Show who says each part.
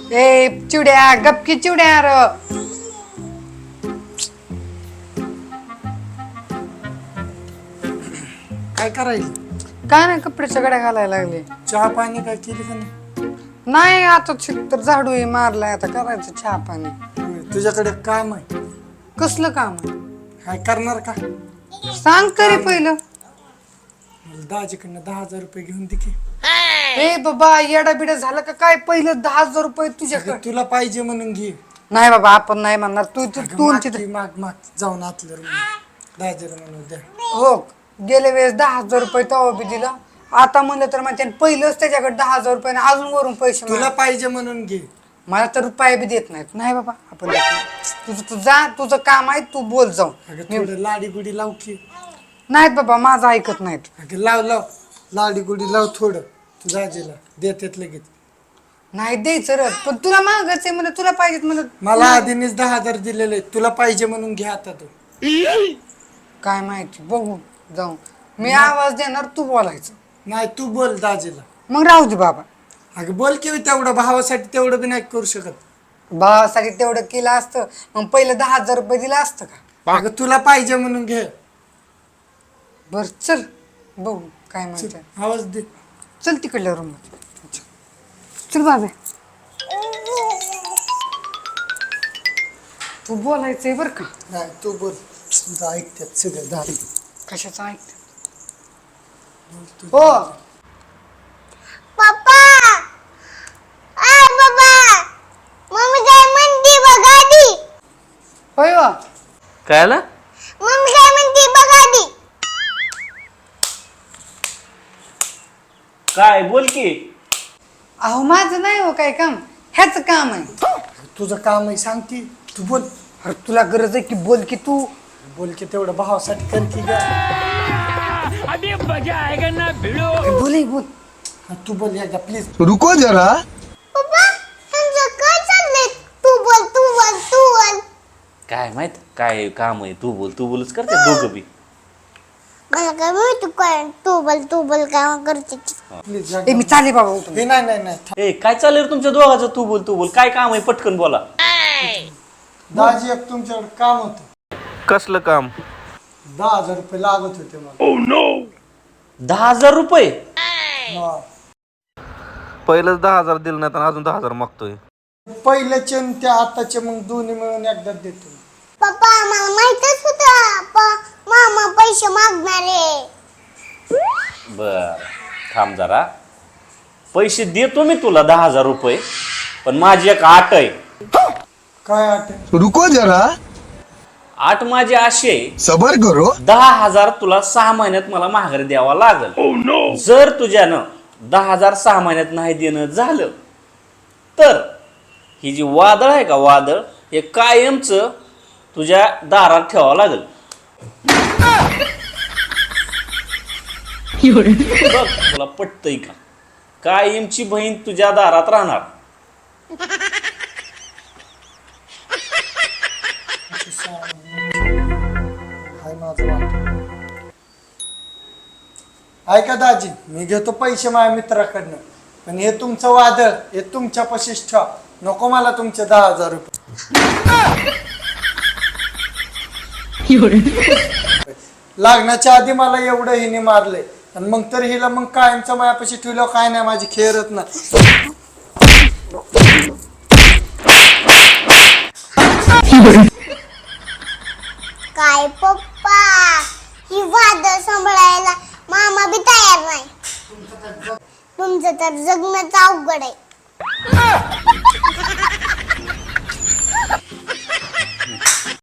Speaker 1: ए चिवड्या गपकी चिवड्या र
Speaker 2: काय करायला?
Speaker 1: काय नाही कपड्याच्या गड्या घालायला लागले.
Speaker 2: चहा पाणी काय केली का नाही?
Speaker 1: नाही आता तर झाडू मारलाय आता करायचं चहा पाणी.
Speaker 2: तुझ्याकडे काम आहे?
Speaker 1: कसलं काम
Speaker 2: काय करणार का?
Speaker 1: सांग तरी पहिलं.
Speaker 2: दाजीकडनं 10,000 रुपये घेऊन दे की.
Speaker 1: ए बाबा येडा बिडा झालं का काय? पहिलं 10,000 रुपये तुझ्याकडे.
Speaker 2: तुला पाहिजे म्हणून घे.
Speaker 1: नाही बाबा आपण नाही म्हणणार. तू
Speaker 2: माग जाऊन आतलं दाजीला म्हणून द्या.
Speaker 1: हो गेल्या वेळेस 10,000 रुपये तवा बी दिला. आता म्हणलं तर मग त्याने पहिलंच त्याच्याकडे 10,000 रुपये अजून वरून पैसे
Speaker 2: तुला पाहिजे म्हणून घे.
Speaker 1: मला तर रुपये बी देत नाहीत. नाही बाबा आपण तुझं तू जा, तुझं काम आहे, तू बोल जाऊ.
Speaker 2: थोडं लाडी गुडी लाव की.
Speaker 1: नाहीत बाबा माझं ऐकत नाहीत.
Speaker 2: लाव लाडी गुडी लाव थोडं. तू दाजीला देतात लगेच.
Speaker 1: नाही द्यायचं रे पण तुला मागायचंय म्हणलं तुला पाहिजेत म्हणलं.
Speaker 2: मला आधीनेच 10,000 दिलेले. तुला पाहिजे म्हणून घे आता तू.
Speaker 1: काय माहिती बघू जाऊ. मी आवाज देणार तू बोलायचं.
Speaker 2: नाही तू बोल दाजीला.
Speaker 1: मग राहू दे बाबा.
Speaker 2: अगं बोल की तेवढं भावासाठी तेवढं बी नाही करू शकत.
Speaker 1: भावासाठी तेवढं केलं असतं मग पहिलं 10,000 रुपये दिलं असतं का?
Speaker 2: अगं तुला पाहिजे म्हणून घे.
Speaker 1: बर चल बघू काय म्हणते.
Speaker 2: आवाज दे.
Speaker 1: चल तिकडल्या रूम चल बाबा. तू बोलायचंय बर का?
Speaker 2: नाही तू बोल. तुझं ऐकतात सगळं दारी.
Speaker 1: कशाचं ऐकत? हो
Speaker 3: पप्पा आय बाबा मम्मी काय म्हणती बघा आधी.
Speaker 1: होय वा.
Speaker 4: काय आलं?
Speaker 3: मम्मी काय म्हणती बघा आधी.
Speaker 4: काय बोल की.
Speaker 1: अहो माझं नाही हो काय काम. ह्याच काम आहे.
Speaker 2: तुझं काम आहे सांगती. तू बोल.
Speaker 1: अरे तुला गरज आहे की बोल की तू.
Speaker 2: बोल की तेवढं भावासाठी कर की ग.
Speaker 1: बोल बोल.
Speaker 2: तू बोल एकदा प्लीज.
Speaker 5: रुको जरा.
Speaker 3: पप्पा त्यांचं काय चाललंय? तू बोल तू बोल तू बोल.
Speaker 4: काय माहित काय काम आहे. तू बोलच करते दोघं बी.
Speaker 3: मला काय माहिती काय तू बोल काम करते.
Speaker 2: प्लीज
Speaker 1: ए मी चाले बाबा उठून.
Speaker 2: नाही
Speaker 4: ए काय चाललंय रे तुमच्या दोघांचं? तू बोल काय काम आहे पटकन बोला.
Speaker 2: दाजी एक तुमच्याकडे काम होतं.
Speaker 4: कसलं काम?
Speaker 2: 10,000 रुपये लागत होते मला.
Speaker 4: 10,000 रुपये?
Speaker 2: हा.
Speaker 4: पहिलंच 10,000 दिलं नाही तर अजून 10,000 मागतोय.
Speaker 2: पहिल्याचे आणि त्या आताचे मग दोन्ही मिळून एकदा देतो.
Speaker 3: पप्पा मला माहितच होतं मामा पैसे मागणारे.
Speaker 4: बर थांब जरा. पैसे देतो मी तुला 10,000 रुपये. पण माझी एक आट आहे.
Speaker 2: काय आठ?
Speaker 5: रुको जरा.
Speaker 4: आट माझी अशी आहे.
Speaker 5: सबर करो.
Speaker 4: 10,000 तुला 6 महिन्यात मला माघारी द्यावा लागल. जर तुझ्यानं 10,000 6 महिन्यात नाही देणं झालं तर ही जी वादळ आहे का वादळ हे कायमच तुझ्या दारात ठेवावं लागल. बघ तुला पटतंय का? कायमची बहीण तुझ्या दारात राहणार.
Speaker 2: हाय माझं वाट. ऐका दाजी मी घेतो पैसे माझ्या मित्राकडनं. पण हे तुमचं वादळ हे तुमच्या पशीच ठेवा. नको मला तुमचे 10,000 रुपये. लागण्याच्या आधी मला एवढं हिने मारले आणि मग तर हिला मग कायमचं मायापाशी ठेवलं काय नाही माझी खेळत ना.
Speaker 3: काय पप्पा ही वादळ सांभाळायला मामा बी तयार नाही. तुमचं तर जगणंच अवघड आहे.